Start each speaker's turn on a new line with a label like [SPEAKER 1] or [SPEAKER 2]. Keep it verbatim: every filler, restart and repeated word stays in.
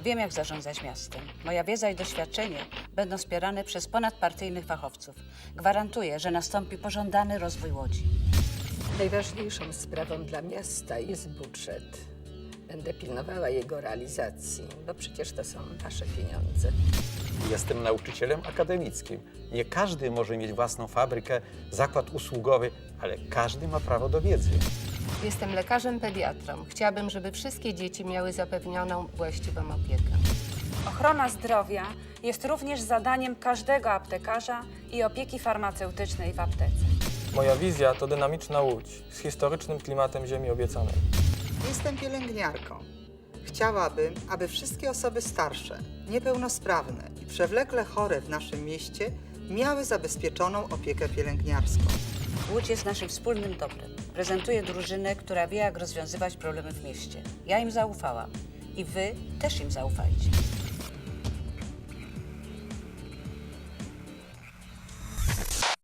[SPEAKER 1] Wiem, jak zarządzać miastem. Moja wiedza i doświadczenie będą wspierane przez ponadpartyjnych fachowców. Gwarantuję, że nastąpi pożądany rozwój Łodzi.
[SPEAKER 2] Najważniejszą sprawą dla miasta jest budżet. Będę pilnowała jego realizacji, bo przecież to są nasze pieniądze.
[SPEAKER 3] Jestem nauczycielem akademickim. Nie każdy może mieć własną fabrykę, zakład usługowy, ale każdy ma prawo do wiedzy.
[SPEAKER 4] Jestem lekarzem pediatrą. Chciałabym, żeby wszystkie dzieci miały zapewnioną właściwą opiekę.
[SPEAKER 5] Ochrona zdrowia jest również zadaniem każdego aptekarza i opieki farmaceutycznej w aptece.
[SPEAKER 6] Moja wizja to dynamiczna Łódź z historycznym klimatem ziemi obiecanej.
[SPEAKER 7] Jestem pielęgniarką. Chciałabym, aby wszystkie osoby starsze, niepełnosprawne i przewlekle chore w naszym mieście miały zabezpieczoną opiekę pielęgniarską.
[SPEAKER 1] Łódź jest naszym wspólnym dobrem. Prezentuję drużynę, która wie, jak rozwiązywać problemy w mieście. Ja im zaufałam i wy też im zaufajcie.